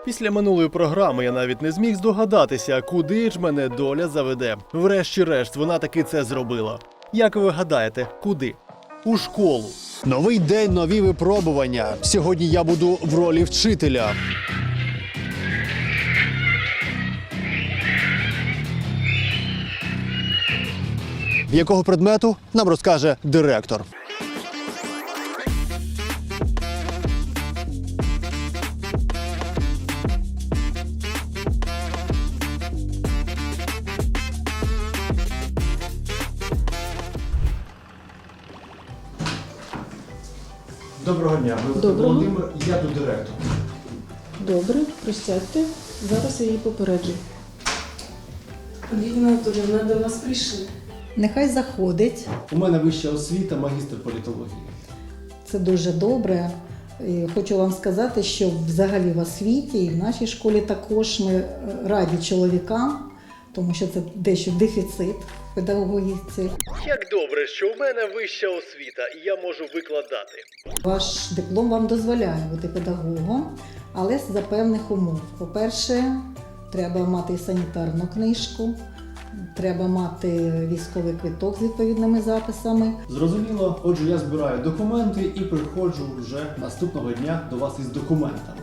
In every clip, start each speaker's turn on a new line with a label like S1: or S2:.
S1: Після минулої програми я навіть не зміг здогадатися, куди ж мене доля заведе. Врешті-решт, вона таки це зробила. Як ви гадаєте, куди? У школу. Новий день, нові випробування. Сьогодні я буду в ролі вчителя. Якого предмету нам розкаже директор. Доброго дня,
S2: Доброго.
S1: Володимир, я тут директор.
S2: Добре, присядьте. Зараз я її попереджу.
S3: Ліна Анатоліївна, до вас прийшли.
S2: Нехай заходить.
S1: У мене вища освіта, магістр політології.
S2: Це дуже добре. І хочу вам сказати, що взагалі в освіті і в нашій школі також ми раді чоловікам, тому що це дещо дефіцит в педагогіці.
S1: Як добре, що у мене вища освіта і я можу викладати.
S2: Ваш диплом вам дозволяє бути педагогом, але за певних умов. По-перше, треба мати санітарну книжку, треба мати військовий квиток з відповідними записами.
S1: Зрозуміло, отже, я збираю документи і приходжу вже наступного дня до вас із документами.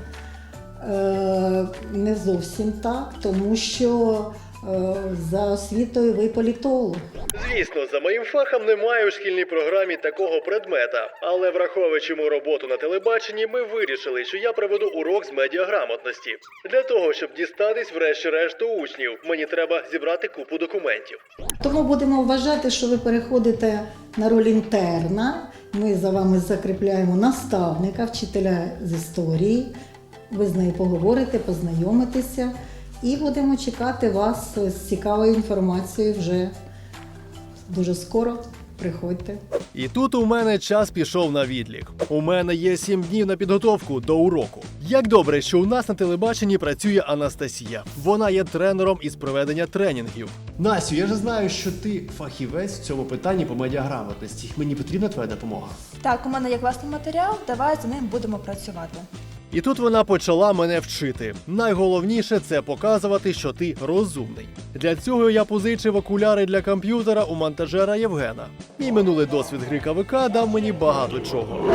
S2: Не зовсім так, тому що за освітою ви політолог.
S1: Звісно, за моїм фахом немає у шкільній програмі такого предмета. Але враховуючи мою роботу на телебаченні, ми вирішили, що я проведу урок з медіаграмотності. Для того, щоб дістатись врешті-решт до учнів, мені треба зібрати купу документів.
S2: Тому будемо вважати, що ви переходите на роль інтерна. Ми за вами закріпляємо наставника, вчителя з історії. Ви з нею поговорите, познайомитеся. І будемо чекати вас з цікавою інформацією вже дуже скоро. Приходьте.
S1: І тут у мене час пішов на відлік. У мене є 7 днів на підготовку до уроку. Як добре, що у нас на телебаченні працює Анастасія. Вона є тренером із проведення тренінгів. Насю, я ж знаю, що ти фахівець в цьому питанні по медіаграмотності. Мені потрібна твоя допомога.
S4: Так, у мене є класний матеріал, давай за ним будемо працювати.
S1: І тут вона почала мене вчити. Найголовніше – це показувати, що ти розумний. Для цього я позичив окуляри для комп'ютера у монтажера Євгена. Мій минулий досвід гри КВК дав мені багато чого.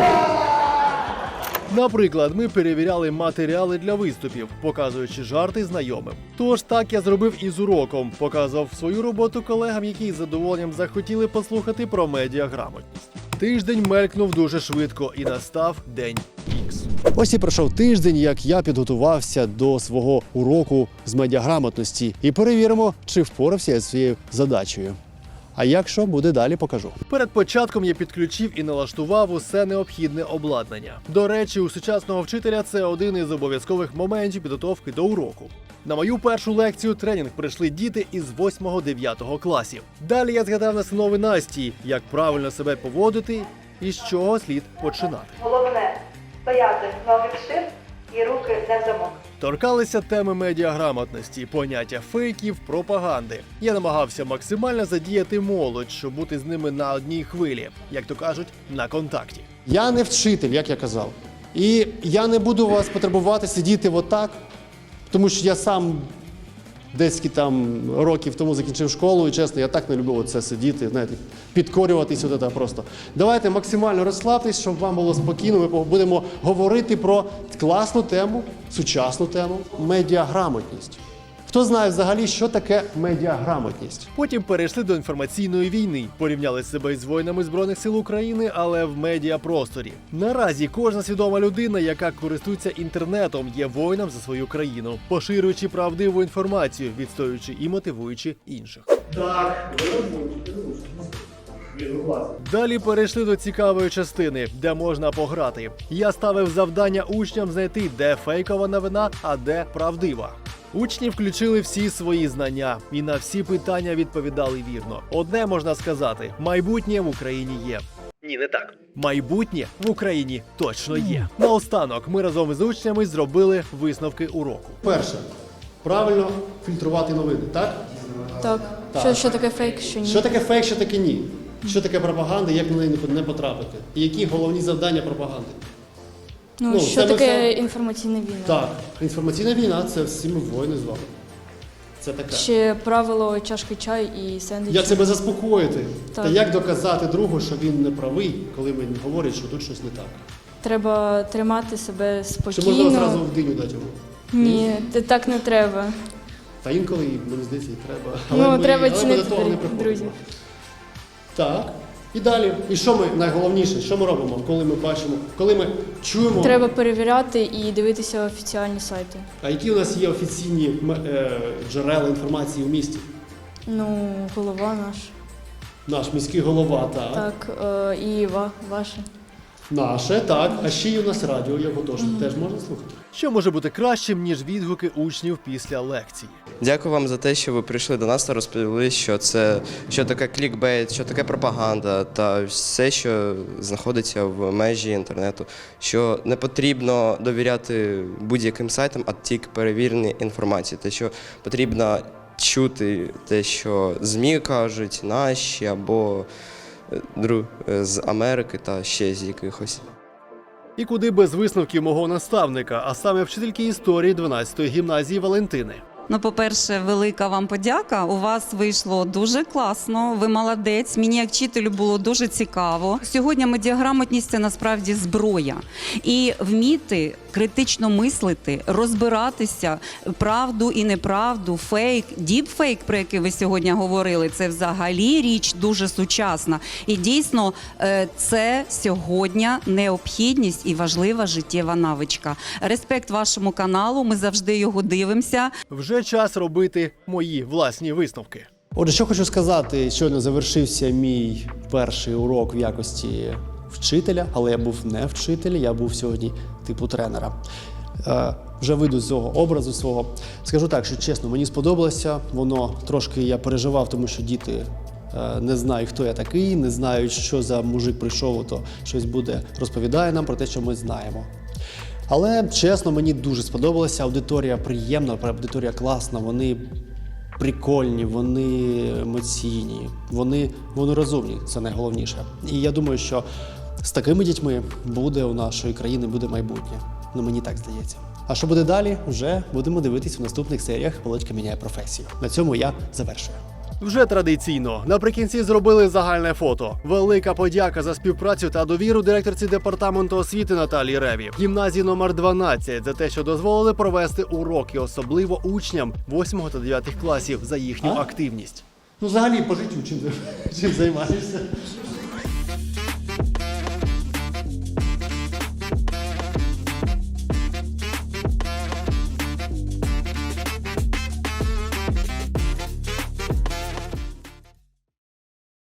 S1: Наприклад, ми перевіряли матеріали для виступів, показуючи жарти знайомим. Тож так я зробив і з уроком, показував свою роботу колегам, які з задоволенням захотіли послухати про медіаграмотність. Тиждень мелькнув дуже швидко і настав день Ікс. Ось і пройшов тиждень, як я підготувався до свого уроку з медіаграмотності. І перевіримо, чи впорався я зі своєю задачею. А якщо буде далі, покажу. Перед початком я підключив і налаштував усе необхідне обладнання. До речі, у сучасного вчителя це один із обов'язкових моментів підготовки до уроку. На мою першу лекцію тренінг прийшли діти із 8-9 класів. Далі я згадав настанови Насті, як правильно себе поводити і з чого слід починати.
S5: Головне – стояти ноги вшир і руки не в замок.
S1: Торкалися теми медіаграмотності, поняття фейків, пропаганди. Я намагався максимально задіяти молодь, щоб бути з ними на одній хвилі, як то кажуть, на контакті. Я не вчитель, як я казав. І я не буду вас потребувати сидіти отак, тому що я сам десь там років тому закінчив школу, і чесно, я так не любив оце сидіти, знаєте, підкорюватись от це просто. Давайте максимально розслабтесь, щоб вам було спокійно. Ми будемо говорити про класну тему, сучасну тему – медіаграмотність. Хто знає взагалі, що таке медіаграмотність? Потім перейшли до інформаційної війни, порівняли себе із воїнами Збройних сил України, але в медіапросторі. Наразі кожна свідома людина, яка користується інтернетом, є воїном за свою країну, поширюючи правдиву інформацію, відстоюючи і мотивуючи інших. Далі перейшли до цікавої частини, де можна пограти. Я ставив завдання учням знайти, де фейкова новина, а де правдива. Учні включили всі свої знання і на всі питання відповідали вірно. Одне можна сказати – майбутнє в Україні є. Ні, не так. Майбутнє в Україні точно є. Наостанок ми разом з учнями зробили висновки уроку. Перше. Правильно фільтрувати новини, так?
S4: Так. Що таке фейк, що ні?
S1: Що таке фейк, що таке ні? Що таке пропаганда, як на неї не потрапити? І які головні завдання пропаганди?
S6: Ну, що
S1: це ми
S6: таке
S1: все-
S6: інформаційна війна?
S1: Так, інформаційна війна це всі ми воїни з вами. Це таке.
S6: Ще правило чашки чаю і сендвічі.
S1: Як себе заспокоїти?
S6: Так.
S1: Та як доказати другу, що він не правий, коли він говорить, що тут щось не так?
S6: Треба тримати себе
S1: Чи можна
S6: спокійно.
S1: одразу в диню дати йому?
S6: Ні, так не треба.
S1: Та інколи, мені здається, і треба.
S6: Треба
S1: ми
S6: цінити
S1: до того не приходимо.
S6: друзів.
S1: Так. І далі. І що ми, найголовніше, що ми робимо, коли ми бачимо, коли ми чуємо,
S6: Треба перевіряти і дивитися офіціальні сайти.
S1: а які у нас є офіційні джерела інформації у місті?
S6: Ну, голова наш.
S1: Наш міський голова, так.
S6: Так, і ваше.
S1: Наше, так. А ще й у нас радіо, його теж можна слухати. Що може бути кращим, ніж відгуки учнів після лекції?
S7: Дякую вам за те, що ви прийшли до нас та розповіли, що таке клікбейт, що таке пропаганда та все, що знаходиться в межі інтернету. Що не потрібно довіряти будь-яким сайтам, а тільки перевіреній інформації. Те, що потрібно чути те, що ЗМІ кажуть, наші або з Америки та ще з якихось.
S1: І куди без висновків мого наставника, а саме вчительки історії 12-ї гімназії Валентини.
S8: Ну, по-перше, велика вам подяка. У вас вийшло дуже класно. Ви молодець. Мені як вчителю було дуже цікаво. Сьогодні медіаграмотність – це насправді зброя. І вміти критично мислити, розбиратися, правду і неправду, фейк, діпфейк, про який ви сьогодні говорили, це взагалі річ дуже сучасна. І дійсно це сьогодні необхідність і важлива життєва навичка. Респект вашому каналу, ми завжди його дивимося.
S1: Вже час робити мої власні висновки. Отже, що хочу сказати, щойно завершився мій перший урок в якості вчителя, але я був не вчитель, я був сьогодні типу тренера. Вже вийду з цього образу свого. Скажу так, що чесно, мені сподобалося, воно трошки я переживав, тому що діти не знають, хто я такий, не знають, що за мужик прийшов, то щось буде розповідає нам про те, що ми знаємо. Але, чесно, мені дуже сподобалося. Аудиторія приємна, аудиторія класна, вони прикольні, вони емоційні, вони розумні, це найголовніше. І я думаю, що з такими дітьми буде у нашої країни буде майбутнє. Ну, мені так здається. А що буде далі, вже будемо дивитись у наступних серіях «Володька міняє професію». На цьому я завершую. Вже традиційно, наприкінці зробили загальне фото. Велика подяка за співпрацю та довіру директорці департаменту освіти Наталії Реві, гімназії номер 12 за те, що дозволили провести уроки, особливо учням 8 та 9 класів за їхню активність. Ну, взагалі, по життю чим займаєшся?